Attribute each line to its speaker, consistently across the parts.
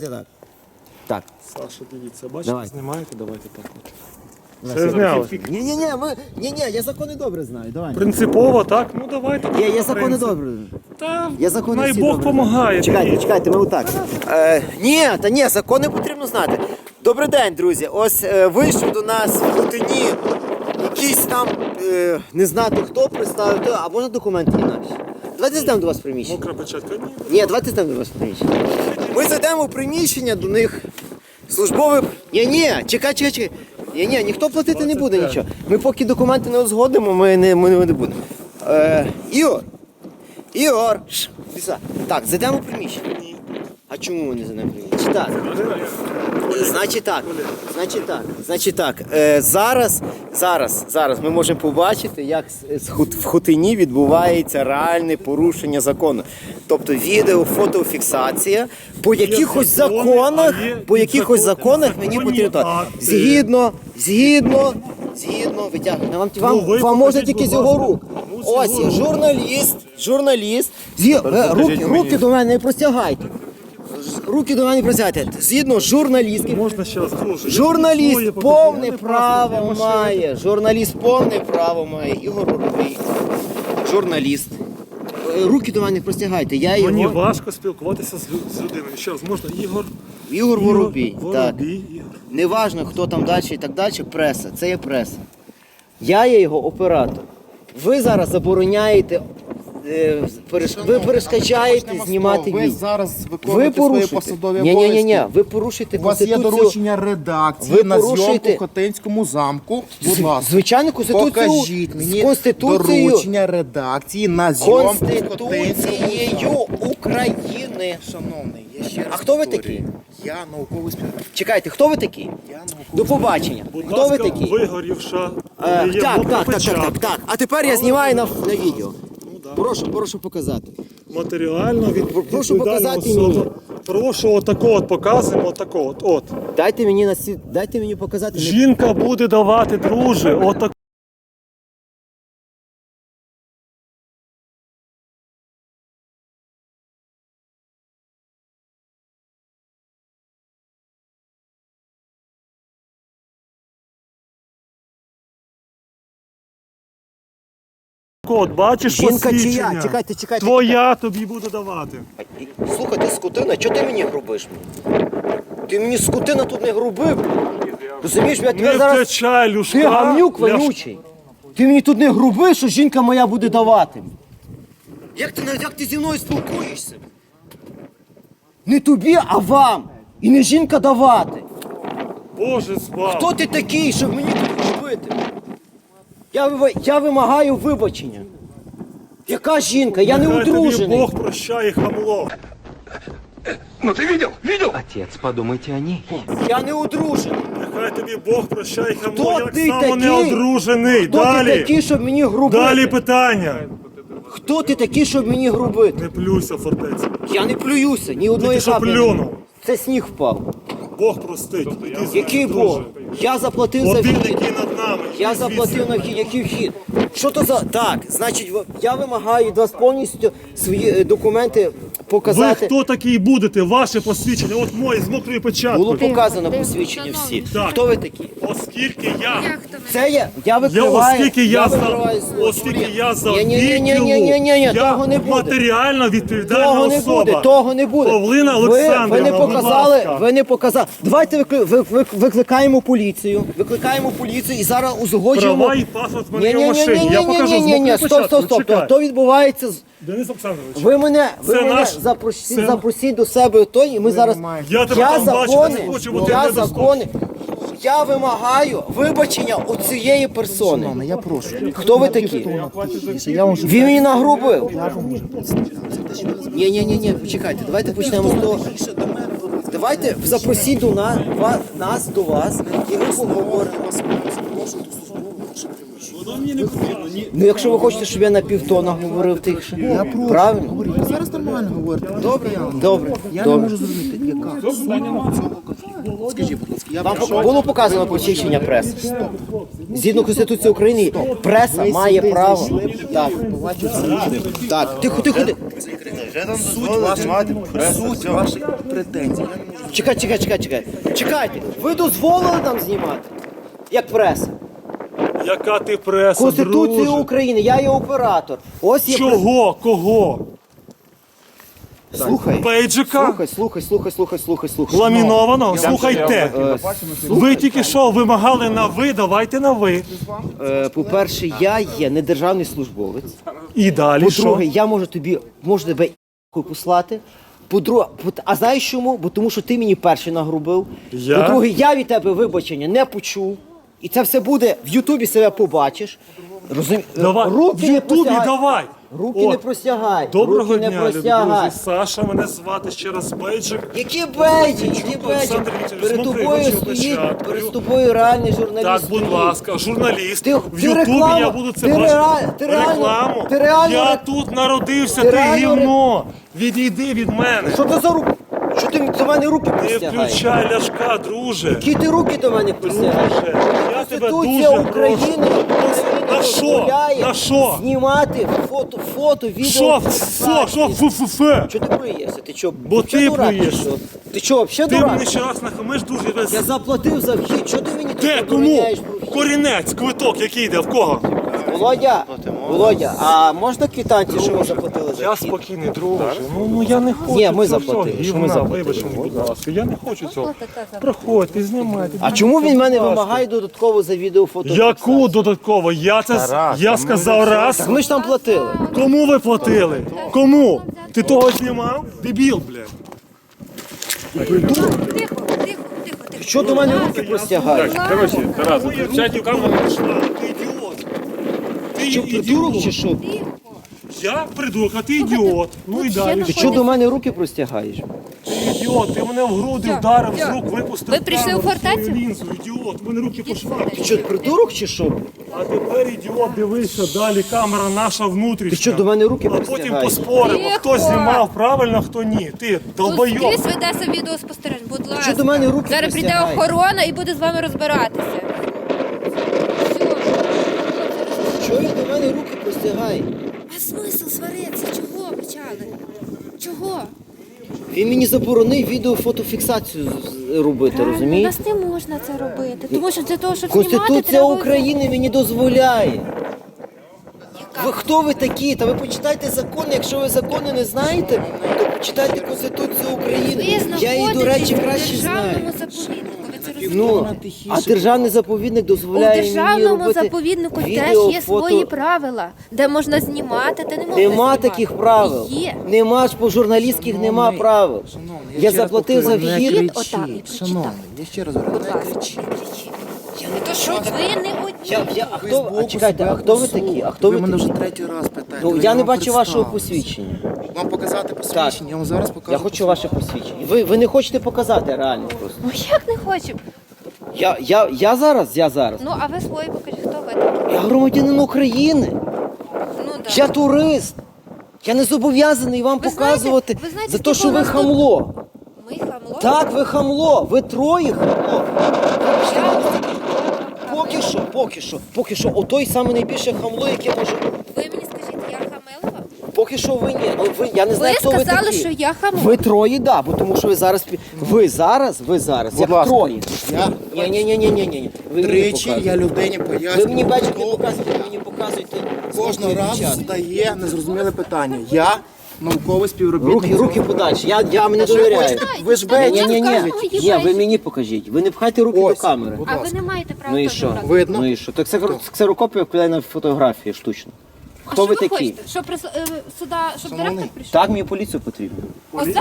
Speaker 1: Так. Так.
Speaker 2: Саша, дивіться, бачите,
Speaker 1: Давай.
Speaker 2: знімаєте, давайте так от. Все зняли.
Speaker 1: Ні, я закони добре знаю, давай.
Speaker 2: Принципово, так? Ну давайте.
Speaker 1: Я закони добре.
Speaker 2: Та,
Speaker 1: Я закони
Speaker 2: най
Speaker 1: всі
Speaker 2: Бог
Speaker 1: добре
Speaker 2: помагає.
Speaker 1: знаю. Чекайте, ми отак. Ні, закони потрібно знати. Добрий день, друзі. Ось вийшов до нас в Хотині якийсь там, не знати хто, представив, а можна документи інакші? Давайте зайдемо до вас в приміщення.
Speaker 2: Мокра печатка, ні.
Speaker 1: Ні, давайте зайдемо до вас в приміщення. Ми зайдемо в приміщення до них. Службове... Ні, чекай. Ні, ніхто платити не буде нічого. Ми поки документи не узгодимо, ми не будемо. Ігор. Так, зайдемо в приміщення. А чому ми не зайдемо в приміщення? Так. Значить так. Зараз ми можемо побачити, як в Хотині відбувається реальне порушення закону. Тобто відео, фотофіксація. По якихось законах мені потрібно. Згідно, витягнути. Вам можна тільки з його рук. Ось є журналіст. Руки до мене не простягайте. Згідно журналістки.
Speaker 2: Можна ще раз.
Speaker 1: Журналіст повне право має. Ігор Воробій. Журналіст. Руки до мене не простягайте.
Speaker 2: Мені важко спілкуватися з людиною. Ще раз, можна
Speaker 1: Ігор Воробій. Так.
Speaker 2: Ігор.
Speaker 1: Неважно, хто там далі і так далі, преса. Це є преса. Я є його оператор. Ви зараз забороняєте, ви перешкоджаєте знімати відео.
Speaker 3: Ви зараз виконуєте свої посадові обов'язки.
Speaker 1: Ні, ви порушуєте
Speaker 3: У вас є
Speaker 1: Конституцію.
Speaker 3: доручення редакції на зйомку в Хотинському замку. Будь ласка,
Speaker 1: Звичайно, Конституцію.
Speaker 3: покажіть мені
Speaker 1: з Конституцією.
Speaker 3: доручення редакції на зйомку в Хотинському
Speaker 1: Конституцією України.
Speaker 3: Шановний, я ще раз
Speaker 1: А хто ви
Speaker 3: повторюю.
Speaker 1: такі?
Speaker 3: Я науковий співробітник.
Speaker 1: Чекайте, хто ви такі? До побачення.
Speaker 2: Будь
Speaker 1: Хто ви
Speaker 2: ласка,
Speaker 1: такі?
Speaker 2: вигорівша. Є мокра печатка.
Speaker 1: Так. А тепер я знімаю на відео. Прошу показати.
Speaker 2: Матеріально
Speaker 1: Прошу показати
Speaker 2: особа.
Speaker 1: мені.
Speaker 2: Прошу, отако от показуємо, отако от.
Speaker 1: Дайте мені показати.
Speaker 2: Жінка буде давати, друже, отако. От, бачиш
Speaker 1: Жінка
Speaker 2: посвідчення?
Speaker 1: чия? Чекайте.
Speaker 2: Твоя тобі буде давати.
Speaker 1: Слухай, ти скотина, чого ти мені грубиш? Ти мені скотина тут не грубив. Розумієш, я тебе
Speaker 2: Не
Speaker 1: зараз...
Speaker 2: втечай, Люшка.
Speaker 1: Ти гамнюк вонючий. Ти мені тут не грубиш, що жінка моя буде давати. Як ти зі мною спілкуєшся? Не тобі, а вам. І не жінка давати.
Speaker 2: Боже, збав.
Speaker 1: Хто ти такий, щоб мені тут робити? Я вимагаю вибачення. Яка жінка? Я не
Speaker 2: Нехай тобі
Speaker 1: одружений.
Speaker 2: Бог прощає, хамло.
Speaker 4: Отец, подумайте о ней.
Speaker 1: Я не одружений.
Speaker 2: Нехай тобі Бог прощає, хамло.
Speaker 1: Хто
Speaker 2: Я
Speaker 1: ти
Speaker 2: так само
Speaker 1: такий?
Speaker 2: не одружений.
Speaker 1: Хто ти такий, щоб мені грубити?
Speaker 2: Далі питання.
Speaker 1: Хто ти такий, щоб мені грубити?
Speaker 2: Не плюйся, фортеця.
Speaker 1: Я не плююся, ні одної
Speaker 2: Тільки що
Speaker 1: каплі.
Speaker 2: плюнув.
Speaker 1: Це сніг впав.
Speaker 2: Бог простить. Іди звідси,
Speaker 1: Який
Speaker 2: друже.
Speaker 1: Бог? Я заплатив за
Speaker 2: Один,
Speaker 1: вхід.
Speaker 2: який над нами.
Speaker 1: Я
Speaker 2: Іди
Speaker 1: заплатив
Speaker 2: звідси.
Speaker 1: на вхід. Який вхід? Що то за... Так, значить, я вимагаю від вас повністю свої документи
Speaker 2: Ви
Speaker 1: показати.
Speaker 2: хто такий будете? Ваше посвідчення. От моє з мокрою
Speaker 1: Було
Speaker 2: печаткою.
Speaker 1: показано посвідчення всі.
Speaker 2: Так.
Speaker 1: Хто ви такі?
Speaker 2: Оскільки я...
Speaker 1: Це я викриваю.
Speaker 2: Оскільки я
Speaker 1: викриваю
Speaker 2: за
Speaker 1: Ні,
Speaker 2: я
Speaker 1: того не буде.
Speaker 2: матеріально відповідальна
Speaker 1: Того не
Speaker 2: особа.
Speaker 1: буде, того не буде.
Speaker 2: Павлина
Speaker 1: Ви
Speaker 2: Олександрівна,
Speaker 1: не
Speaker 2: будь
Speaker 1: показали,
Speaker 2: ласка.
Speaker 1: ви не показали. Давайте викликаємо поліцію. Викликаємо поліцію і зараз узгоджуємо.
Speaker 2: Права і паспорт в мене в машині. Я покажу з
Speaker 1: Ні,
Speaker 2: мокрою
Speaker 1: стоп.
Speaker 2: печаткою. Чекай.
Speaker 1: То відбувається.
Speaker 2: Денис Олександрович,
Speaker 1: Ви мене
Speaker 2: наш-
Speaker 1: запросіть до себе той, і ми зараз.
Speaker 2: я тебе там бачу, не хочу, бо ти не
Speaker 1: закони. Я вимагаю вибачення у цієї персони.
Speaker 3: Я прошу.
Speaker 1: Хто ви такі?
Speaker 3: Я вам
Speaker 1: Він мені нагрубив. Ні, почекайте, давайте почнемо з того. Давайте запросіть нас до вас і ми поговоримо. Ну, якщо ви хочете, щоб я на півтона говорив тихше. Правильно?
Speaker 3: говорю, ви зараз нормально говорите.
Speaker 1: Добре.
Speaker 3: Я не можу зрозуміти, яка сума цього. Скажіть, будь ласка, я
Speaker 1: Вам
Speaker 3: прийшов.
Speaker 1: було показано посвідчення преси? Згідно Конституції України, преса має право. Так. Так, тихо.
Speaker 3: Суть ваших претензій. Я не можу
Speaker 1: Чекайте, ви дозволили нам знімати? Як преса?
Speaker 2: Яка ти преса,
Speaker 1: Конституція
Speaker 2: друже?
Speaker 1: України, я є оператор. Ось є
Speaker 2: Чого? Кого?
Speaker 1: Слухай.
Speaker 2: Пейджика?
Speaker 1: Слухай.
Speaker 2: Ламінованого? Слухайте. Ви тільки що вимагали на ви, давайте на ви.
Speaker 1: По-перше, я є не державний службовець.
Speaker 2: І далі що?
Speaker 1: По-друге, я можу тебе послати. По-друге, а знаєш чому? Бо тому що ти мені перший нагрубив.
Speaker 2: Я?
Speaker 1: По-друге, я від тебе вибачення не почув. І це все буде в Ютубі себе побачиш.
Speaker 2: Давай, в
Speaker 1: Руки не
Speaker 2: Ютубі
Speaker 1: простягай.
Speaker 2: давай.
Speaker 1: Руки
Speaker 2: От.
Speaker 1: не простягай.
Speaker 2: Доброго
Speaker 1: Руки не
Speaker 2: дня, любі
Speaker 1: простягай.
Speaker 2: друзі. Саша, мене звати ще раз Бейджик.
Speaker 1: Які бейджі,
Speaker 2: Олександр Вікторович,
Speaker 1: Перед
Speaker 2: ну,
Speaker 1: тобою
Speaker 2: прийміть
Speaker 1: стоїть,
Speaker 2: початку.
Speaker 1: перед тобою реальний журналіст.
Speaker 2: Так, будь
Speaker 1: стоїть.
Speaker 2: ласка, журналіст.
Speaker 1: Ти-
Speaker 2: В
Speaker 1: ти
Speaker 2: Ютубі
Speaker 1: реклама-
Speaker 2: я буду це
Speaker 1: ти
Speaker 2: бачити.
Speaker 1: реаль- ти реально-
Speaker 2: Рекламу.
Speaker 1: ти реально
Speaker 2: Я
Speaker 1: ре-
Speaker 2: тут народився,
Speaker 1: ти
Speaker 2: ти
Speaker 1: реально
Speaker 2: гівно. Відійди від мене.
Speaker 1: Що ти за руки? Що ти до мене руки
Speaker 2: Не
Speaker 1: простягаєш?
Speaker 2: включай ляшка, друже.
Speaker 1: Які ти руки до мене простягаєш?
Speaker 2: Друже, я тебе
Speaker 1: Конституція
Speaker 2: дуже
Speaker 1: України
Speaker 2: На що?
Speaker 1: дозволяє
Speaker 2: На що?
Speaker 1: знімати фото, відео.
Speaker 2: Що? Що? Фу-фу-фе.
Speaker 1: Що ти плюєшся? Ти що?
Speaker 2: Бо
Speaker 1: вообще
Speaker 2: ти
Speaker 1: дурак чи
Speaker 2: плюєшся.
Speaker 1: що? Ти що, взагалі
Speaker 2: Ти
Speaker 1: дурак?
Speaker 2: мені ще раз нахамиш, друже.
Speaker 1: Я заплатив за вхід, що ти мені тут
Speaker 2: Де? Кому?
Speaker 1: забороняєш про вхід?
Speaker 2: Корінець, квиток, який йде, в кого?
Speaker 1: Володя, а можна квитанцію, що ви заплатили за
Speaker 2: Я
Speaker 1: вхід?
Speaker 2: спокійний, друже. Ну я не хочу.
Speaker 1: Ні, ми
Speaker 2: цього
Speaker 1: заплатили.
Speaker 2: всього
Speaker 1: Що ми
Speaker 2: гівна.
Speaker 1: заплатили?
Speaker 2: Вибач мені, будь ласка. Я не хочу цього. Проходьте, знімайте.
Speaker 1: А чому він мене
Speaker 2: Будь ласка.
Speaker 1: вимагає додатково за відео фото?
Speaker 2: Яку додатково? Я сказав раз.
Speaker 1: Ми ж там платили.
Speaker 2: Кому ви платили? Кому? Ти того знімав? Дебіл, блядь.
Speaker 1: Що до мене руки простягаєш?
Speaker 2: Короче, Тарас, включайте камеру. Ти ідіот. Ти
Speaker 1: Що, придурок чи
Speaker 2: ідіот.
Speaker 1: що?
Speaker 2: Я придурок, а ти ідіот. Ну і далі.
Speaker 1: Ти що до мене руки простягаєш?
Speaker 2: Ти ідіот, ти мене в груди вдарив, з рук випустив.
Speaker 5: Ви прийшли
Speaker 2: камеру,
Speaker 5: у фортецю?
Speaker 2: свою лінзу, ідіот, у мене руки по швах.
Speaker 1: Ти що, придурок чи що?
Speaker 2: А тепер, ідіот, дивися, далі камера наша внутрішня.
Speaker 1: Ти що, до мене руки
Speaker 2: А потім
Speaker 1: простягаєш?
Speaker 2: поспоримо,
Speaker 5: Тихо.
Speaker 2: хто знімав правильно, хто ні. Ти
Speaker 5: Тут
Speaker 2: долбойоб.
Speaker 5: скрізь ведеться відеоспостереження, будь ласка.
Speaker 1: Що до мене руки
Speaker 5: Зараз прийде
Speaker 1: простягаєш?
Speaker 5: охорона і буде з вами розбиратися.
Speaker 1: Що він до мене руки простягає?
Speaker 5: А смисл сваритися? Чого почали? Чого?
Speaker 1: Він мені заборонив відео-фотофіксацію робити,
Speaker 5: У
Speaker 1: розумієш?
Speaker 5: нас не можна це робити, тому що для того, щоб знімати,
Speaker 1: Конституція
Speaker 5: треба...
Speaker 1: України мені дозволяє. Ви хто ви такі? Та ви почитайте закони. Якщо ви закони не знаєте, то почитайте Конституцію України.
Speaker 5: Ви
Speaker 1: Я її, до речі,
Speaker 5: знаходитесь у
Speaker 1: краще знаю.
Speaker 5: державному заповіднику. Ви це розумієте?
Speaker 1: Ну, а державний заповідник
Speaker 5: У
Speaker 1: дозволяє мені
Speaker 5: державному
Speaker 1: робити
Speaker 5: заповіднику
Speaker 1: відео,
Speaker 5: теж є
Speaker 1: фото.
Speaker 5: свої правила, де можна знімати, де не можна
Speaker 1: Нема
Speaker 5: знімати.
Speaker 1: таких правил.
Speaker 5: Є.
Speaker 1: Нема ж по журналістських нема правил. Я заплатив за вхід.
Speaker 5: Вхід отак і прочитав.
Speaker 3: Я ще раз
Speaker 5: Будь
Speaker 3: говорю.
Speaker 5: ласка. Я не то, що ви не одні.
Speaker 1: А хто, а чекайте, а хто ви такі? А хто
Speaker 3: Ви
Speaker 1: ви
Speaker 3: мене вже
Speaker 1: такі?
Speaker 3: третій раз питаєте.
Speaker 1: Ну,
Speaker 3: ви
Speaker 1: я не
Speaker 3: вам
Speaker 1: бачу вашого
Speaker 3: представились.
Speaker 1: посвідчення.
Speaker 3: Вам показати посвідчення? Я вам зараз покажу.
Speaker 1: Я хочу ваше посвідчення. Ви не хочете показати реально просто.
Speaker 5: Ну як не хочу?
Speaker 1: Я зараз.
Speaker 5: Ну, а ви свої покажіть, хто ви такі?
Speaker 1: Я громадянин України.
Speaker 5: Ну, да.
Speaker 1: Я турист. Я не зобов'язаний вам
Speaker 5: Ви знаєте-
Speaker 1: показувати
Speaker 5: ви знаєте,
Speaker 1: за те, що
Speaker 5: скільки
Speaker 1: ви
Speaker 5: у нас тут-
Speaker 1: хамло.
Speaker 5: Ми хамло?
Speaker 1: Так, ви хамло. Ви троє хамло. Поки що, отой саме найбільше хамло, яке може бути.
Speaker 5: Ви мені скажіть, я хамилова?
Speaker 1: Поки що ви ні. Ну, я не знаю,
Speaker 5: Ви
Speaker 1: хто ви
Speaker 5: сказали,
Speaker 1: такі.
Speaker 5: що я хамло.
Speaker 1: Ви троє, да, бо тому що ви зараз ви зараз, як
Speaker 3: ласка.
Speaker 1: троє.
Speaker 3: Я
Speaker 1: Ні. Ви мені
Speaker 3: тричі
Speaker 1: показуєте.
Speaker 3: я людині пояснюю.
Speaker 1: Ви мені бачите,
Speaker 3: хто
Speaker 1: показуєте, ви мені показуєте.
Speaker 3: кожного разу задає незрозуміле питання. Я науковий співробітник.
Speaker 1: Руки подальше. Я мені
Speaker 3: Та
Speaker 1: довіряю.
Speaker 3: хочете, ви ж
Speaker 1: Ні,
Speaker 3: бачите.
Speaker 1: ні, ви мені покажіть. Ви не пхайте руки
Speaker 3: Ось.
Speaker 1: до камери.
Speaker 3: Будь
Speaker 5: А ви
Speaker 3: ласка.
Speaker 5: не маєте права
Speaker 1: Ну і
Speaker 5: теж
Speaker 1: що?
Speaker 5: брати.
Speaker 3: Видно?
Speaker 1: Ну і що? Так ксерокопія вкладає на фотографії штучно.
Speaker 5: А
Speaker 1: Хто ви
Speaker 5: що
Speaker 1: такі?
Speaker 5: хочете? Щоб сюди, щоб директор прийшов?
Speaker 1: Так, мені поліцію потрібно.
Speaker 5: Оце?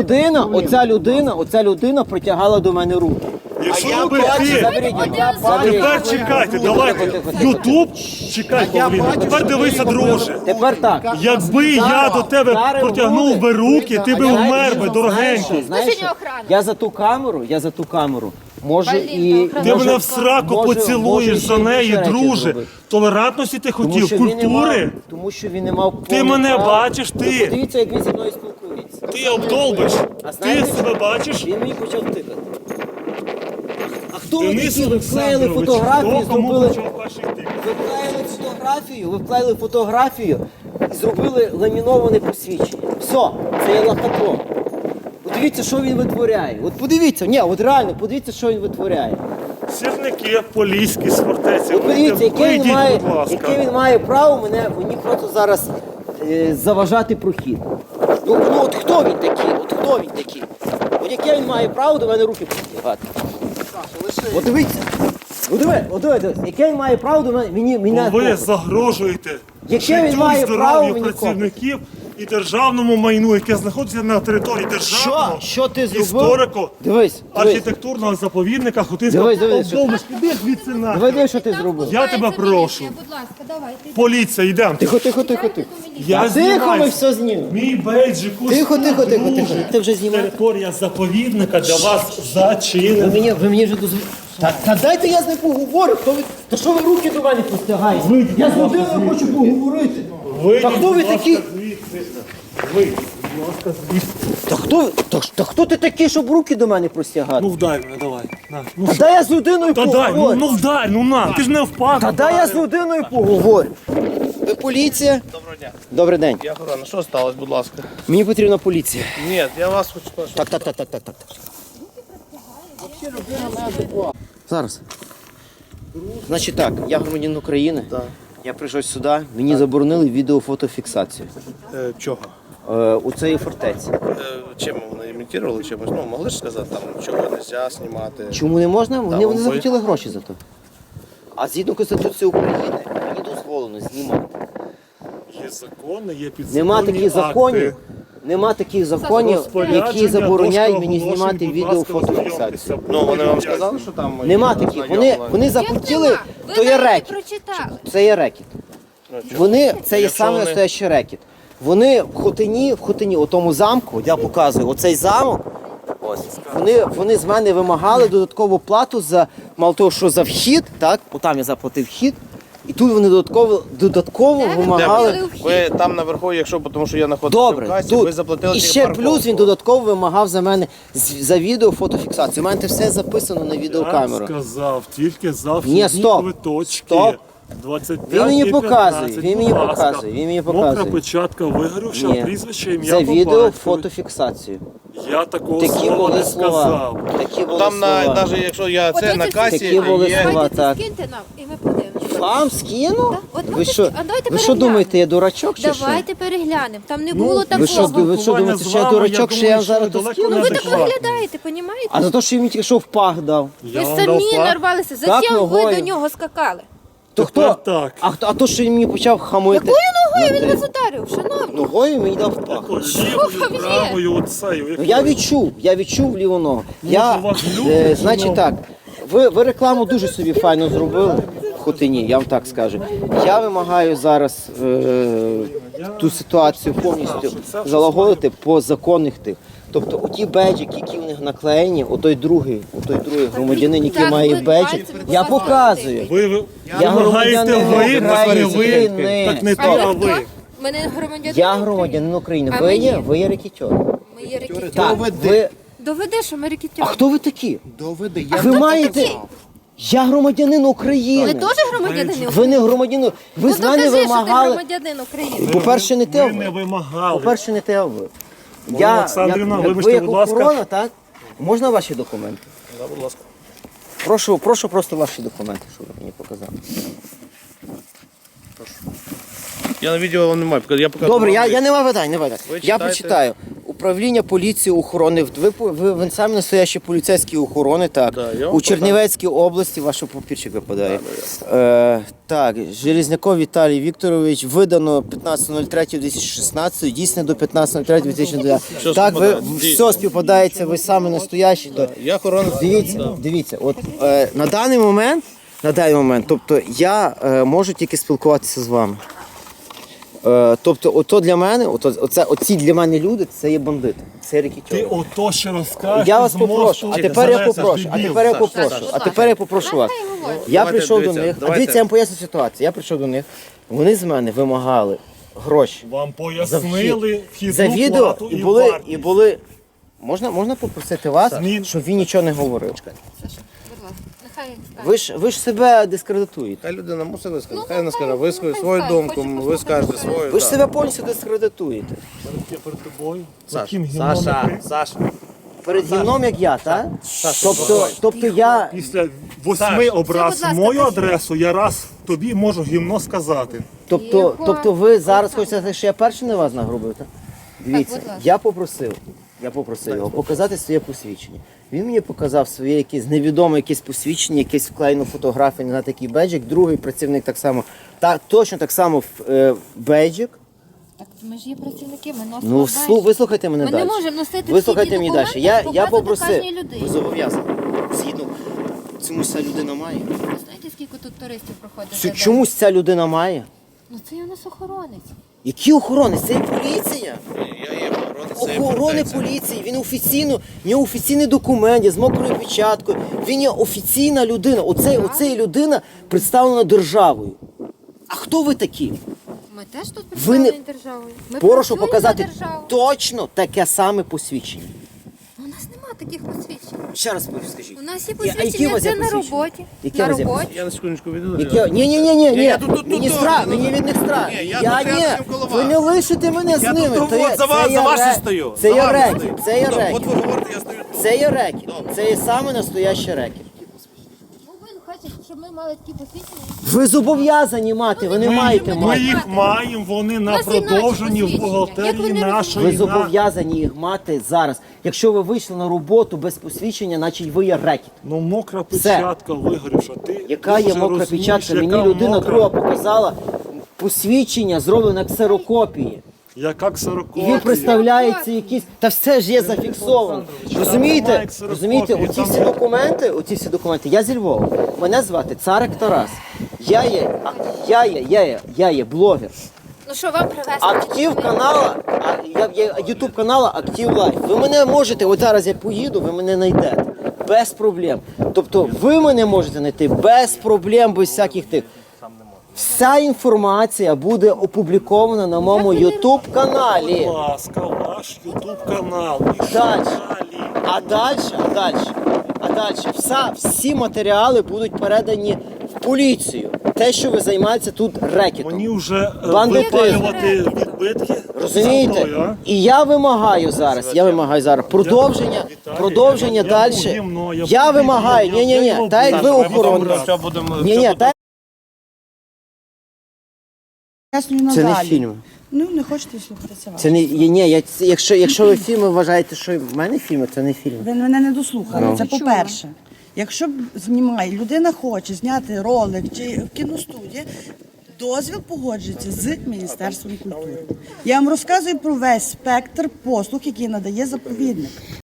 Speaker 1: Оця людина протягала до мене руки.
Speaker 2: Якщо би
Speaker 1: бачу,
Speaker 2: ти...
Speaker 1: заберіть.
Speaker 2: Тепер чекайте, давайте. Ютуб, чекай, Павліна. Тепер дивися, друже.
Speaker 1: Тепер так.
Speaker 2: Якби я до тебе протягнув би руки, ти би вмер би, дорогенький.
Speaker 1: Знаєш,
Speaker 5: Скажи, охрана.
Speaker 1: я за ту камеру можу
Speaker 5: Блін,
Speaker 1: і...
Speaker 5: охрана.
Speaker 2: Ти
Speaker 1: можу-
Speaker 2: мене в сраку
Speaker 1: можу-
Speaker 2: поцілуєш
Speaker 1: можу
Speaker 2: за
Speaker 1: ще
Speaker 2: неї,
Speaker 1: речі
Speaker 2: друже.
Speaker 1: зробити.
Speaker 2: Толерантності ти
Speaker 1: Тому
Speaker 2: хотів,
Speaker 1: що він не
Speaker 2: культури.
Speaker 1: мав- Тому що він не мав
Speaker 2: Ти
Speaker 1: повного
Speaker 2: мене
Speaker 1: права.
Speaker 2: бачиш,
Speaker 1: Ви
Speaker 2: ти.
Speaker 1: Подивіться, як він зі мною спілкується.
Speaker 2: Ти обдолбиш.
Speaker 1: А
Speaker 2: Ти
Speaker 1: знаєте,
Speaker 2: себе бачиш?
Speaker 1: Він мені почав тикати. А хто ви
Speaker 2: Денис
Speaker 1: такі? Ви вклеїли
Speaker 2: Олександрович,
Speaker 1: фотографію,
Speaker 2: хто кому
Speaker 1: зробили...
Speaker 2: почав перший тик?
Speaker 1: Ви вклеїли фотографію і зробили ламіноване посвідчення. Все, це є лохотрон. Подивіться, що він витворяє. От подивіться, ні, от реально, подивіться, що він витворяє.
Speaker 2: Сірники, поліські з фортеці.
Speaker 1: От подивіться,
Speaker 2: Вийдіть, будь ласка.
Speaker 1: яке він має право мені просто зараз заважати прохід. Ну от хто він такий? От хто він такий? От яке він має право до мене руки простягати? От дивіться. От дивіться, яке він має право до мене?
Speaker 2: Бо ви загрожуєте
Speaker 1: Яке він
Speaker 2: життю
Speaker 1: має
Speaker 2: і
Speaker 1: право
Speaker 2: здоров'ю
Speaker 1: мені
Speaker 2: працівників і державному майну, яке знаходиться на території державного
Speaker 1: Що ти зробив?
Speaker 2: історико
Speaker 1: Дивись.
Speaker 2: архітектурного заповідника Хотинського
Speaker 1: Дивись,
Speaker 2: Довбиш. Іди звідси на.
Speaker 1: Дивись, що ти зробив.
Speaker 2: Я тебе прошу.
Speaker 5: Будь ласка, давайте.
Speaker 2: Поліція, йдемо.
Speaker 1: Тихо.
Speaker 2: Я
Speaker 1: Тихо,
Speaker 2: знімаю.
Speaker 1: ми все знімемо.
Speaker 2: Мій бейджик ось
Speaker 1: Тихо.
Speaker 2: друже.
Speaker 1: Ти вже знімаєш?
Speaker 2: Територія заповідника для вас зачинена.
Speaker 1: Ви мені вже дозволите. Та дайте я з ним поговорю. Та що ви руки до мене простягаєте? Я з людиною хочу поговорити. Та хто ви такі? Та хто ти такий, щоб руки до мене простягати?
Speaker 2: Ну вдай мене, давай. На. Ну,
Speaker 1: Та дай я з людиною
Speaker 2: та дай,
Speaker 1: поговорю.
Speaker 2: ну вдай, ну на, ти ж не впав.
Speaker 1: Та дай я з людиною поговорю. Ви поліція?
Speaker 3: Доброго дня.
Speaker 1: Добрий день.
Speaker 3: Я охорона. Що сталося, будь ласка?
Speaker 1: Мені потрібна поліція.
Speaker 3: Ні, я вас хочу спрашувати.
Speaker 1: Так. Зараз. Значить так, я громадянин України. Я прийшов сюди, мені заборонили відеофотофіксацію
Speaker 3: Чого?
Speaker 1: у цій фортеці.
Speaker 3: Чим вони імітували чимось? Ну, могли ж сказати, там, чого не можна знімати.
Speaker 1: Чому не можна? Вони
Speaker 3: ви-
Speaker 1: захотіли гроші за то. А згідно Конституції України мені дозволено знімати.
Speaker 2: Є закони, є підзаконні
Speaker 1: Нема таких
Speaker 2: акти.
Speaker 1: законів. Нема таких законів,
Speaker 2: Розпорядження,
Speaker 1: які забороняють
Speaker 2: дошка
Speaker 1: мені
Speaker 2: оголошень,
Speaker 1: знімати
Speaker 2: будь ласка,
Speaker 1: відеофотофіксацію.
Speaker 2: ознайомтеся.
Speaker 3: Ну, вони вам сказали, що там...
Speaker 1: Нема таких. Вони захотіли, то є рекет.
Speaker 5: Прочитали.
Speaker 1: Це є рекет. Вони, це є
Speaker 3: Якщо
Speaker 1: саме
Speaker 3: вони-
Speaker 1: настоящий рекет. Вони в Хотині, у тому замку, я показую, оцей замок, ось, вони з мене вимагали додаткову плату за, мало того, що за вхід, так, отам я заплатив вхід, і тут вони додатково вимагали.
Speaker 3: Ви там наверху, якщо, тому що я знаходився в
Speaker 1: Добре,
Speaker 3: касі, ви
Speaker 1: тут.
Speaker 3: заплатили
Speaker 1: І
Speaker 3: тільки
Speaker 1: ще
Speaker 3: парковку.
Speaker 1: плюс він додатково вимагав за мене за відео фотофіксацію. У мене це все записано на
Speaker 2: Я
Speaker 1: відеокамеру.
Speaker 2: сказав, тільки за
Speaker 1: Ні,
Speaker 2: вхідні
Speaker 1: стоп.
Speaker 2: квиточки.
Speaker 1: Стоп.
Speaker 2: 25
Speaker 1: Він мені
Speaker 2: і
Speaker 1: показує,
Speaker 2: 15,
Speaker 1: він мені
Speaker 2: будь ласка.
Speaker 1: показує, він мені
Speaker 2: Мокра
Speaker 1: показує.
Speaker 2: печатка вигорівша,
Speaker 1: Ні.
Speaker 2: прізвище, ім'я
Speaker 1: За
Speaker 2: по
Speaker 1: відео
Speaker 2: батькові.
Speaker 1: фотофіксацію.
Speaker 2: Я такого
Speaker 1: Такі
Speaker 2: слова
Speaker 1: були
Speaker 2: не
Speaker 1: слова.
Speaker 2: сказав.
Speaker 1: Такі були
Speaker 3: Там,
Speaker 1: слова.
Speaker 3: навіть якщо я це на касі,
Speaker 1: Такі були
Speaker 3: є...
Speaker 1: слова.
Speaker 5: Давайте
Speaker 1: так.
Speaker 5: це скиньте нам, і ми подивимося.
Speaker 1: Вам скину?
Speaker 5: Так, от
Speaker 1: Ви
Speaker 5: давайте
Speaker 1: що,
Speaker 5: скинь- а давайте
Speaker 1: ви що
Speaker 5: переглянемо.
Speaker 1: думаєте, я дурачок чи що?
Speaker 5: Давайте переглянемо. Там не
Speaker 2: Ну,
Speaker 5: було
Speaker 1: Ви
Speaker 5: такого.
Speaker 1: що, думаєте, що я дурачок, що я вам зараз то скину?
Speaker 5: Ну ви так
Speaker 2: неадекватні.
Speaker 5: виглядаєте, понімаєте?
Speaker 1: А за те, що він мені тільки що в пах дав.
Speaker 2: Я
Speaker 5: Ви
Speaker 2: вам
Speaker 5: самі
Speaker 2: дав факт.
Speaker 5: нарвалися.
Speaker 1: Так,
Speaker 5: Зачем ви
Speaker 1: ногою.
Speaker 5: до нього скакали?
Speaker 1: То
Speaker 2: Тепер
Speaker 1: хто?
Speaker 2: так.
Speaker 1: А то, що він мені почав хамити?
Speaker 5: Якою ногою він вас ударив, шановні?
Speaker 1: Ногою мені дав в пах.
Speaker 2: Такою лівою, правою, оцею.
Speaker 1: Ну, я відчув ліву ногу.
Speaker 2: у вас люди,
Speaker 1: Значить
Speaker 2: шановні?
Speaker 1: так, ви рекламу дуже собі файно зробили в Хотині, я вам так скажу. Я вимагаю зараз ту ситуацію повністю залагодити по законних тих. Тобто оті беджики, які в них наклеєні, отой другий громадянин, який
Speaker 5: Так,
Speaker 1: має
Speaker 5: ви
Speaker 1: беджик,
Speaker 5: бачите, будь
Speaker 1: я
Speaker 5: ласка,
Speaker 1: показую.
Speaker 2: Ви
Speaker 1: Я
Speaker 2: вимагаєте
Speaker 1: громадянин
Speaker 2: ви, так не ви.
Speaker 1: України.
Speaker 2: Так не
Speaker 5: А
Speaker 2: то,
Speaker 5: ви
Speaker 2: а
Speaker 5: хто?
Speaker 2: ви.
Speaker 5: Мене громадянин.
Speaker 1: Я громадянин України.
Speaker 5: А
Speaker 1: Ви
Speaker 5: ми
Speaker 1: є?
Speaker 5: ні.
Speaker 1: Ви є рекетер.
Speaker 5: Ми є рекетери.
Speaker 1: Так, ви...
Speaker 5: Доведи, що ми
Speaker 1: А
Speaker 5: рекетери.
Speaker 1: хто ви такі?
Speaker 3: Доведи,
Speaker 1: А
Speaker 3: я
Speaker 1: ви
Speaker 5: хто
Speaker 1: маєте...
Speaker 5: такий?
Speaker 1: Я громадянин України.
Speaker 5: Ви теж громадянин?
Speaker 1: Ви не громадянин. Ви
Speaker 5: Ну
Speaker 1: з мене
Speaker 5: докажи, що ти
Speaker 1: вимагали.
Speaker 5: громадянин України.
Speaker 1: По-перше, не те
Speaker 2: Ви не
Speaker 1: ви.
Speaker 2: вимагали.
Speaker 1: По-перше, не те ви.
Speaker 2: Олександрівна,
Speaker 1: як
Speaker 2: вибачте,
Speaker 1: ви як
Speaker 2: будь ласка.
Speaker 1: охорона, так? Можна ваші документи?
Speaker 3: Да, будь ласка.
Speaker 1: Прошу просто ваші документи, щоб ви мені показали.
Speaker 3: Я на відео вам не маю, я покажу.
Speaker 1: Добре, я не маю питань, не маю питань.
Speaker 3: Ви
Speaker 1: Я
Speaker 3: читайте.
Speaker 1: прочитаю. Управління поліції охорони. Ви самі настоящі поліцейські охорони, так.
Speaker 3: Да, я вам
Speaker 1: У Чернівецькій області ваш папірчик випадає. Так, Железняков Віталій Вікторович, видано 15.03.2016, дійсне до 15.03.2019.
Speaker 3: Що
Speaker 1: Так, ви
Speaker 3: співпадає?
Speaker 1: все співпадається, ви самі настоящі. То
Speaker 3: Я охорона.
Speaker 1: Дивіться, от на даний момент, тобто я можу тільки спілкуватися з вами. Тобто, ото для мене, оці для мене люди, це є бандити, це
Speaker 2: Ти
Speaker 1: рекетери.
Speaker 2: ото ще розкажеш.
Speaker 1: Я вас
Speaker 2: з мосту
Speaker 1: попрошу, а
Speaker 2: чи
Speaker 1: тепер я
Speaker 2: занесеш,
Speaker 1: попрошу, вас. Я
Speaker 5: Давай,
Speaker 1: прийшов до
Speaker 3: Дивіться,
Speaker 1: них,
Speaker 3: давайте.
Speaker 1: дивіться, я вам поясню ситуацію. Я прийшов до них, вони з мене вимагали гроші
Speaker 2: Вам
Speaker 1: за
Speaker 2: пояснили
Speaker 1: вхід,
Speaker 2: вхідну
Speaker 1: за відео
Speaker 2: плату
Speaker 1: і
Speaker 2: і
Speaker 1: були,
Speaker 2: вартість.
Speaker 1: і були. Можна попросити вас,
Speaker 2: Змін.
Speaker 1: щоб він нічого не говорив?
Speaker 5: Будь ласка, нехай
Speaker 1: Ви ж себе дискредитуєте.
Speaker 3: Хай людина мусить висказати, хай вона скаже, вискажи свою думку, ви скажете свою.
Speaker 1: Ви ж
Speaker 3: так.
Speaker 1: себе повністю дискредитуєте.
Speaker 2: Я перед тобою.
Speaker 3: Саша,
Speaker 2: Таким гімном
Speaker 3: Саша,
Speaker 2: не
Speaker 3: Саша.
Speaker 1: Перед гімном, як я, так? Тобто я...
Speaker 2: Після 8 образ
Speaker 5: Це, будь ласка,
Speaker 2: мою
Speaker 5: кажіть.
Speaker 2: адресу, я раз тобі можу гімно сказати.
Speaker 1: Тобто ви зараз хочете сказати, що я перший на вас нагрубив, так? Дивіться,
Speaker 5: будь ласка.
Speaker 1: я попросив його показати своє посвідчення. Він мені показав своє якесь невідоме якесь посвідчення, якесь вклеєну фотографію, не знаю, такий беджик. Другий працівник так само, точно так само беджик.
Speaker 5: Так ми ж є працівники, ми носимо
Speaker 1: Ну,
Speaker 5: бейдж.
Speaker 1: вислухайте мене
Speaker 5: Ми
Speaker 1: далі.
Speaker 5: не можемо носити
Speaker 1: Вислухайте
Speaker 5: всі ті
Speaker 1: мені
Speaker 5: документи,
Speaker 1: далі. Я
Speaker 5: показувати
Speaker 1: попросив,
Speaker 5: кожній людині.
Speaker 1: ви зобов'язані. Згідно, чомусь ця людина має.
Speaker 5: Ви знаєте, скільки тут туристів проходить? за день?
Speaker 1: Чомусь ця людина має.
Speaker 5: Ну це у нас охоронець.
Speaker 1: Які охорони? Це поліція. Охорони поліції. Він офіційно, в нього офіційний документ, з мокрою печаткою. Він є офіційна людина. Оцей людина представлена державою. А хто ви такі?
Speaker 5: Ми теж тут
Speaker 1: Ви не-
Speaker 5: представлені державою. Ми
Speaker 1: Прошу
Speaker 5: працюємо
Speaker 1: показати
Speaker 5: на державу.
Speaker 1: точно таке саме посвідчення.
Speaker 5: У нас немає таких посвідчень.
Speaker 1: Ще раз скажіть.
Speaker 5: У нас є
Speaker 1: А які у
Speaker 5: посвідчення,
Speaker 1: вас є
Speaker 5: це на
Speaker 1: посвідчення?
Speaker 5: роботі.
Speaker 1: Які
Speaker 5: На
Speaker 1: у вас є
Speaker 5: роботі.
Speaker 3: Я на секундочку відійду.
Speaker 1: Ні. Мені страх, мені від них страх.
Speaker 3: Ні, я
Speaker 1: Я
Speaker 3: тут рядом
Speaker 1: ні.
Speaker 3: коло
Speaker 1: Ви
Speaker 3: вас.
Speaker 1: не лишите мене з
Speaker 3: Я
Speaker 1: ними.
Speaker 3: тут
Speaker 1: Це є-
Speaker 3: от за вас,
Speaker 1: це є
Speaker 3: за вас
Speaker 1: ре-
Speaker 3: і стою.
Speaker 1: Це
Speaker 3: За
Speaker 1: є
Speaker 3: вами
Speaker 1: рекет.
Speaker 3: стою.
Speaker 1: Це є
Speaker 3: От
Speaker 1: рекет.
Speaker 3: ви говорите, я стою тут.
Speaker 1: Це є рекет. Це є саме настоящий рекет.
Speaker 5: Ну ви хочете, щоб ми мали такі посвідчення?
Speaker 1: Ви зобов'язані мати, ви не маєте
Speaker 2: Ми
Speaker 1: мати.
Speaker 2: їх маємо, вони на
Speaker 5: нас є наші
Speaker 2: продовженні в
Speaker 5: посвідчення. Як
Speaker 2: бухгалтерії
Speaker 5: ви не
Speaker 2: нашої.
Speaker 1: Ви
Speaker 2: на-
Speaker 1: зобов'язані їх мати зараз. Якщо ви вийшли на роботу без посвідчення, значить ви є рекет.
Speaker 2: Ну мокра
Speaker 1: Все.
Speaker 2: печатка вигорівша. Ти
Speaker 1: Яка є
Speaker 2: дуже
Speaker 1: мокра
Speaker 2: розумієш,
Speaker 1: печатка? Мені
Speaker 2: яка
Speaker 1: людина
Speaker 2: мокра,
Speaker 1: друга показала посвідчення, зроблене ксерокопії.
Speaker 2: Яка
Speaker 1: І
Speaker 2: ксерокопія.
Speaker 1: він представляється якісь. Та все ж є зафіксовано. Розумієте?
Speaker 2: немає ксерокопії,
Speaker 1: Розумієте, оці всі документи. Я зі Львова. Мене звати Царик Тарас. Я є блогер.
Speaker 5: Ну що вам привезти?
Speaker 1: Актив канала, ютуб канала Актив Лайф. Ви мене можете, от зараз я поїду, ви мене знайдете. Без проблем. Тобто ви мене можете знайти без проблем, без всяких тих. Вся інформація буде опублікована на моєму ютуб каналі.
Speaker 2: Будь ласка, ваш ютуб канал. І
Speaker 1: Далі.
Speaker 2: далі?
Speaker 1: А далі всі матеріали будуть передані в поліцію. Те, що ви займаєтеся тут рекетом.
Speaker 2: Мені вже
Speaker 1: Бандитизм.
Speaker 2: випалювати відбитки.
Speaker 1: Розумієте?
Speaker 2: Собою, а?
Speaker 1: І я вимагаю зараз продовження
Speaker 2: Я
Speaker 1: далі.
Speaker 2: був гімно, я
Speaker 1: Я
Speaker 2: був
Speaker 1: вимагаю,
Speaker 2: гімно,
Speaker 1: ні,
Speaker 2: я
Speaker 1: так як ви
Speaker 2: був
Speaker 1: охоронець. Ні, так
Speaker 6: Пояснюю
Speaker 1: це не
Speaker 6: надалі.
Speaker 1: фільм.
Speaker 6: Ну, не хочете слухати, це ваше.
Speaker 1: Це не якщо ви фільми вважаєте, що в мене фільми, це не фільм.
Speaker 6: Ви мене не дослухали,
Speaker 1: Ну.
Speaker 6: це по-перше. Якщо б знімає, людина хоче зняти ролик чи в кіностудії, дозвіл погоджується з Міністерством культури. Я вам розказую про весь спектр послуг, який надає заповідник.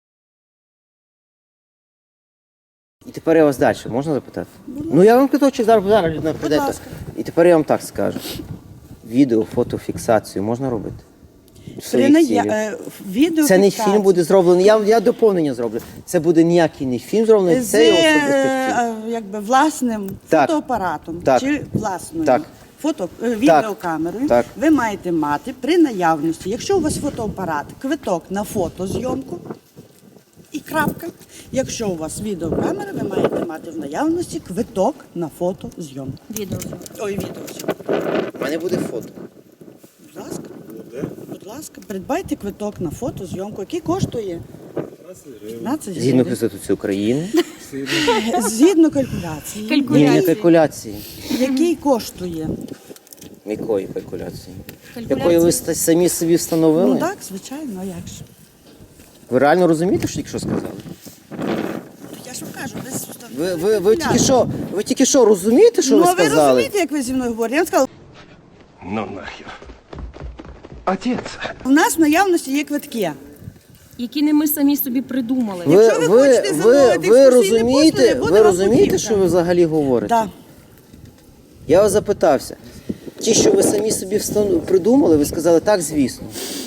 Speaker 1: І тепер я вас далі, можна запитати? Ну я вам квиточок зараз людина прийде.
Speaker 6: ласка.
Speaker 1: І тепер я вам так скажу. Відео, фотофіксацію можна робити? В
Speaker 6: При
Speaker 1: своїх цілях.
Speaker 6: відео
Speaker 1: Це не фільм буде зроблений. Я доповнення зроблю. Це буде ніякий не фільм зроблений,
Speaker 6: з
Speaker 1: це є особистий фільм.
Speaker 6: якби власним
Speaker 1: Так.
Speaker 6: фотоапаратом
Speaker 1: Так.
Speaker 6: чи власною
Speaker 1: Так.
Speaker 6: відеокамерою.
Speaker 1: Так.
Speaker 6: Ви маєте мати при наявності, якщо у вас фотоапарат, квиток на фотозйомку і крапка. Якщо у вас відеокамера, ви маєте мати в наявності квиток на фотозйомку. Відеозйомку.
Speaker 1: У мене буде фото.
Speaker 6: Будь ласка. Будь ласка, придбайте квиток на фотозйомку, який коштує 15
Speaker 1: Згідно
Speaker 6: гривень.
Speaker 1: Конституції України.
Speaker 6: Згідно калькуляції.
Speaker 1: Ні, не калькуляції.
Speaker 6: Який коштує?
Speaker 1: Якої калькуляції? Якої ви самі собі встановили?
Speaker 6: Ну так, звичайно, а як ж?
Speaker 1: Ви реально розумієте, що тільки що сказали?
Speaker 6: Я ж вам кажу, десь
Speaker 1: Ви тільки що розумієте, що ви
Speaker 6: Ну, а ви
Speaker 1: сказали?
Speaker 6: розумієте, як ви зі мною говорите? Я вам сказала,
Speaker 4: Ну нахер. Отец.
Speaker 6: у нас в наявності є квитки.
Speaker 7: Які не ми самі собі придумали.
Speaker 6: Якщо ви хочете замовити
Speaker 1: ви
Speaker 6: екскурсійні послуги, буде
Speaker 1: ви
Speaker 6: вам
Speaker 1: розумієте,
Speaker 6: путівка.
Speaker 1: що ви взагалі говорите?
Speaker 6: Так.
Speaker 1: Я вас запитався. Ті, що ви самі собі придумали, ви сказали так, звісно.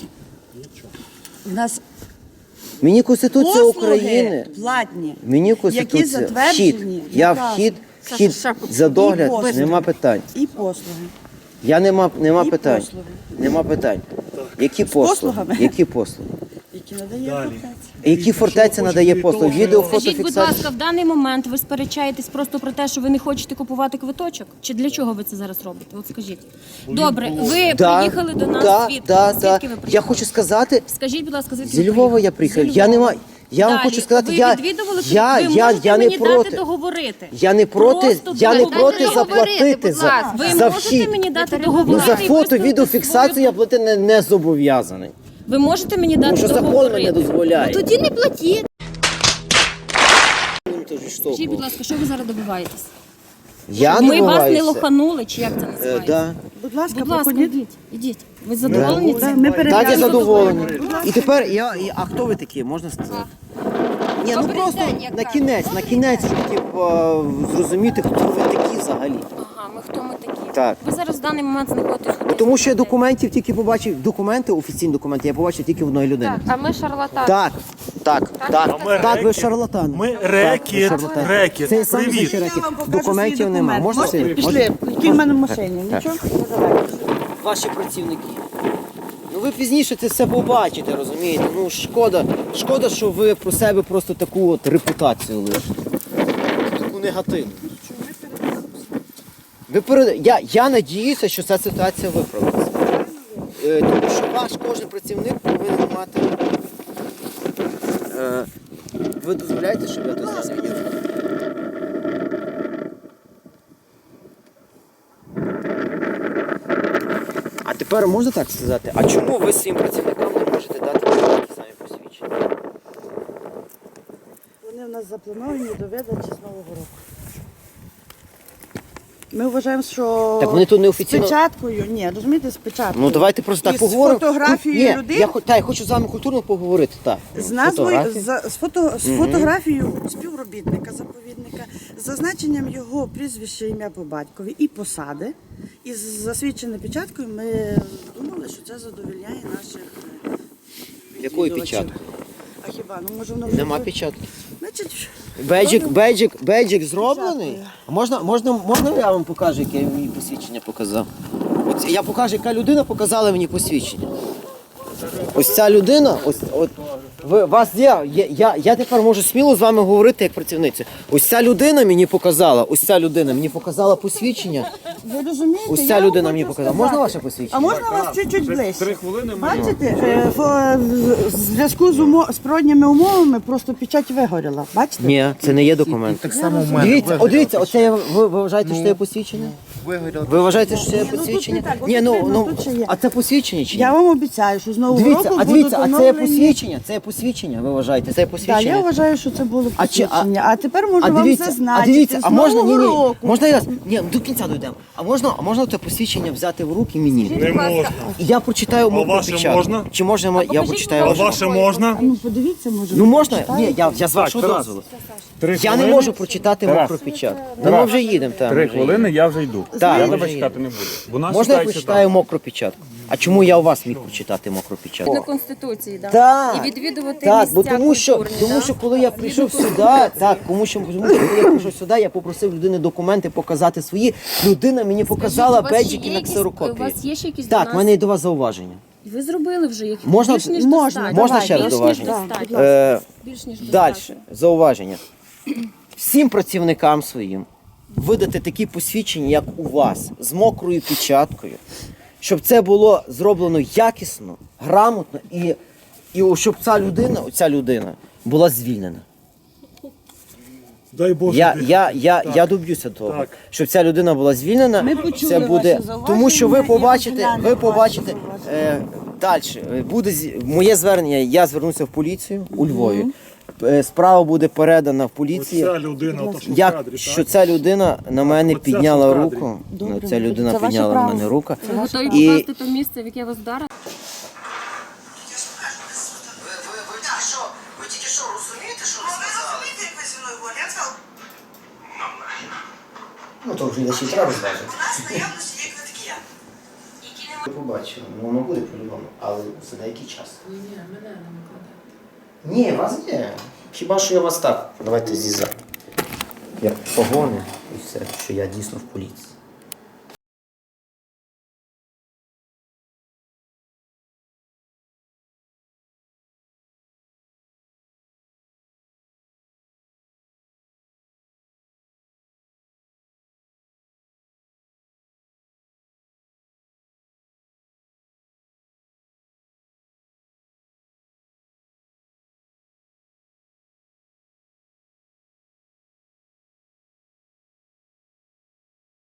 Speaker 6: У нас
Speaker 1: Мені Конституція
Speaker 6: послуги
Speaker 1: України.
Speaker 6: платні,
Speaker 1: Мені
Speaker 6: які
Speaker 1: Конституція.
Speaker 6: затверджені.
Speaker 1: Я
Speaker 6: наказом.
Speaker 1: вхід за догляд,
Speaker 6: І послуги.
Speaker 1: нема питань.
Speaker 6: І послуги.
Speaker 1: Нема
Speaker 6: І
Speaker 1: питань.
Speaker 6: послуги.
Speaker 1: Нема питань. Які послуги?
Speaker 6: послугами?
Speaker 1: Які послуги?
Speaker 6: Які надає
Speaker 2: Далі.
Speaker 6: фортеця.
Speaker 1: Які фортеця надає послуги? Відео,
Speaker 7: Скажіть, будь
Speaker 1: фотофіксація?
Speaker 7: ласка, в даний момент ви сперечаєтесь просто про те, що ви не хочете купувати квиточок? Чи для чого ви це зараз робите? От скажіть. Добре, ви приїхали до нас звідки?
Speaker 1: Да.
Speaker 7: Звідки ви
Speaker 1: Я
Speaker 7: приїхали?
Speaker 1: хочу сказати,
Speaker 7: Скажіть, будь ласка, звідки
Speaker 1: зі
Speaker 7: ви
Speaker 1: Львова
Speaker 7: приїхали?
Speaker 1: я приїхав.
Speaker 7: Зі Львова.
Speaker 1: Я вам
Speaker 7: Далі.
Speaker 1: хочу сказати,
Speaker 7: ви
Speaker 1: я
Speaker 7: відвідували,
Speaker 1: я
Speaker 7: ви можете
Speaker 1: не
Speaker 7: мені
Speaker 1: проти.
Speaker 7: дати договорити.
Speaker 1: Я не проти,
Speaker 7: Просто
Speaker 1: я не
Speaker 7: договорити.
Speaker 1: проти
Speaker 5: Дайте
Speaker 1: заплатити
Speaker 5: договорити, будь ласка.
Speaker 7: Ви
Speaker 1: за
Speaker 7: можете
Speaker 1: вхід.
Speaker 7: мені дати
Speaker 1: Ну,
Speaker 7: договорити?
Speaker 1: за
Speaker 7: і
Speaker 1: фото,
Speaker 7: виставити
Speaker 1: відеофіксацію
Speaker 7: свою-
Speaker 1: я платити не зобов'язаний.
Speaker 7: Ви можете мені
Speaker 1: Тому
Speaker 7: дати
Speaker 1: що закон
Speaker 7: договорити?
Speaker 1: мене дозволяє.
Speaker 5: Тоді не платіть.
Speaker 7: Скажіть, будь ласка, що ви зараз добиваєтесь?
Speaker 1: Я
Speaker 7: Ми вас не
Speaker 1: добиваюся.
Speaker 7: лоханули, чи як це називається?
Speaker 1: Да.
Speaker 6: Будь ласка,
Speaker 7: Будь ласка,
Speaker 6: проходіть.
Speaker 7: ідіть. Ви задоволені
Speaker 6: Да,
Speaker 7: цим?
Speaker 6: ми
Speaker 1: Так, я
Speaker 6: перевіряємо.
Speaker 1: задоволений. І тепер а хто ви такі, можна сказати? Ні, ну
Speaker 5: Добрий
Speaker 1: просто
Speaker 5: день, як
Speaker 1: на кінець, щоб типу, зрозуміти, хто ви такі взагалі.
Speaker 7: Ага, хто ми такі?
Speaker 1: Так.
Speaker 7: Ви зараз в даний момент знаходитесь в
Speaker 1: Тому що я документів тільки побачив, документи, офіційні документи, я побачив тільки в одної людини.
Speaker 5: А ми шарлатани.
Speaker 1: Так,
Speaker 2: ми
Speaker 1: так, ви
Speaker 2: рекет.
Speaker 1: шарлатан.
Speaker 2: Ми
Speaker 1: Так, ви
Speaker 2: рекет,
Speaker 1: шарлатан.
Speaker 2: рекет.
Speaker 1: Це саме
Speaker 2: Привіт.
Speaker 1: рекет.
Speaker 6: Я вам покажу
Speaker 1: Документів
Speaker 6: свій
Speaker 1: нема.
Speaker 6: документ.
Speaker 1: Можна
Speaker 6: Можете?
Speaker 1: сидіти?
Speaker 6: Пішли, який в мене в машині. Нічого? Ну, давайте.
Speaker 1: Ваші працівники. Ну ви пізніше це все побачите, розумієте? Ну шкода, що ви про себе просто таку от репутацію лишите. Таку негативну. Я надіюся, що ця ситуація виправиться. Тому що ваш кожен працівник повинен мати. Ви дозволяєте, щоб я тут зараз відео? А тепер можна так сказати, а чому ви своїм працівникам не можете дати такі самі посвідчення?
Speaker 6: Вони в нас заплановані до видачі з Нового року. Ми вважаємо, що
Speaker 1: Так вони тут неофіційно-
Speaker 6: з печаткою, ні, розумієте, з печаткою.
Speaker 1: Ну давайте просто так
Speaker 6: І з
Speaker 1: поговоримо.
Speaker 6: фотографією
Speaker 1: Ні,
Speaker 6: людини.
Speaker 1: я хочу з вами культурно поговорити. Так.
Speaker 6: З назвою,
Speaker 1: Фотографії.
Speaker 6: з фотографією співробітника заповідника, з зазначенням його прізвища, ім'я по батькові і посади. І з засвідченою печаткою ми думали, що це задовольняє наших
Speaker 1: Якою
Speaker 6: відвідувачів.
Speaker 1: печаткою?
Speaker 6: А хіба? Ну, може, воно вже
Speaker 1: Нема
Speaker 6: тут-
Speaker 1: печатки.
Speaker 6: Значить,
Speaker 1: Бейджик зроблений. А можна я вам покажу, яке я мені посвідчення показав? От я покажу, яка людина показала мені посвідчення. Ось ця людина, вас є, я тепер можу сміло з вами говорити як працівниця. Ось ця людина мені показала посвідчення.
Speaker 6: ви розумієте?
Speaker 1: Ось
Speaker 6: я
Speaker 1: ця
Speaker 6: вам
Speaker 1: людина мені
Speaker 6: хочу
Speaker 1: показала.
Speaker 6: сказати.
Speaker 1: Можна ваше посвідчення?
Speaker 6: А можна вас чуть-чуть ближче?
Speaker 2: 3 хвилини.
Speaker 6: Бачите, в зв'язку з природніми умовами просто печать вигоріла. Бачите?
Speaker 1: Ні, це не є документ.
Speaker 3: Так само в мене.
Speaker 1: Дивіться, оце ви вважаєте, що це є посвідчення? Ви вважаєте, що це є
Speaker 6: тут не
Speaker 1: посвідчення?
Speaker 6: так, от
Speaker 1: Ні,
Speaker 6: тут видно, тут ще є.
Speaker 1: а це посвідчення чи ні?
Speaker 6: Я вам обіцяю, що з нового
Speaker 1: Дивіться,
Speaker 6: року
Speaker 1: а
Speaker 6: будуть
Speaker 1: це є
Speaker 6: оновлені...
Speaker 1: посвідчення? Це є посвідчення, ви вважаєте? Це є
Speaker 6: Так,
Speaker 1: посвідчення?
Speaker 6: я вважаю, що це було
Speaker 1: А чи-
Speaker 6: посвідчення. А тепер можу
Speaker 1: А
Speaker 6: вам
Speaker 1: дивіться,
Speaker 6: зазначити, з
Speaker 1: можна,
Speaker 6: нового року.
Speaker 1: можна я, до кінця дійдемо. А можна це посвідчення взяти в руки мені?
Speaker 2: Не можна.
Speaker 1: І я прочитаю мову
Speaker 2: ваше
Speaker 1: печатку.
Speaker 2: можна?
Speaker 1: Чи можна я прочитаю
Speaker 2: А
Speaker 1: вашу?
Speaker 2: ваше можна?
Speaker 6: Ну, подивіться, може.
Speaker 1: Ну можна?
Speaker 6: почитаєте.
Speaker 1: Ні, я з вашого
Speaker 2: Тарас.
Speaker 1: дозволу.
Speaker 2: 3
Speaker 1: Я
Speaker 2: хвилини.
Speaker 1: не можу прочитати мокру печатку. Ну ми вже їдемо там.
Speaker 8: 3 хвилини, я вже йду.
Speaker 1: Так,
Speaker 8: Я
Speaker 1: ми
Speaker 8: тебе
Speaker 1: вже
Speaker 8: чекати не буду. Бо нас
Speaker 1: Можна я
Speaker 8: чекають
Speaker 1: прочитаю мокру печатку? А чому я у вас міг прочитати мокру печатку?
Speaker 7: До Конституції, да.
Speaker 1: Так,
Speaker 7: І відвідувати
Speaker 1: так,
Speaker 7: місця
Speaker 1: бо тому що
Speaker 7: культурні, да?
Speaker 1: коли я прийшов сюди, тому що коли я прийшов сюди, я попросив людини документи показати свої. Людина мені показала
Speaker 7: у вас ще
Speaker 1: беджики
Speaker 7: є
Speaker 1: на
Speaker 7: якісь-
Speaker 1: ксерокопії.
Speaker 7: у вас є ще якісь до
Speaker 1: Так,
Speaker 7: нас-
Speaker 1: в мене є до вас зауваження.
Speaker 7: Ви зробили вже їх.
Speaker 1: Можна-
Speaker 7: Більш ніж
Speaker 6: можна,
Speaker 7: достатньо.
Speaker 1: можна ще раз
Speaker 7: Більш ніж
Speaker 1: зауваження?
Speaker 7: достатньо. Більш ніж
Speaker 1: Далі,
Speaker 7: достатньо.
Speaker 1: зауваження. Всім працівникам своїм видати такі посвідчення, як у вас, з мокрою печаткою, щоб це було зроблено якісно, грамотно і щоб ця людина була звільнена.
Speaker 2: Дай Боже.
Speaker 1: Я доб'юся того,
Speaker 2: Так.
Speaker 1: щоб ця людина була звільнена.
Speaker 6: Ми почули
Speaker 1: Це буде,
Speaker 6: ваші зауваження
Speaker 1: тому що ви
Speaker 6: і
Speaker 1: побачите
Speaker 6: розглянемо ваші
Speaker 1: далі. Буде моє звернення. Я звернуся в поліцію у Львові. Справа буде передана в поліцію.
Speaker 2: Ця людина, ото що в
Speaker 1: Як
Speaker 2: кадрі,
Speaker 1: що
Speaker 2: так?
Speaker 1: ця людина на мене
Speaker 2: Оця,
Speaker 1: підняла
Speaker 2: що в кадрі.
Speaker 1: руку.
Speaker 6: Добре,
Speaker 1: Ця людина
Speaker 6: це ваше
Speaker 1: підняла на
Speaker 6: право.
Speaker 1: мене руку.
Speaker 7: Ви готові
Speaker 1: І-
Speaker 7: покласти те місце, в яке вас вдарили?
Speaker 1: Ви тільки що розумієте, що ви сказали? Ну то вже глядачі треба зважити. Ви побачили, ну воно буде по-любому, але за деякий час. Ні, мене не викладати. Ні, вас є. Хіба що я вас так. Давайте зіза. Як погони і все, що я дійсно в поліції.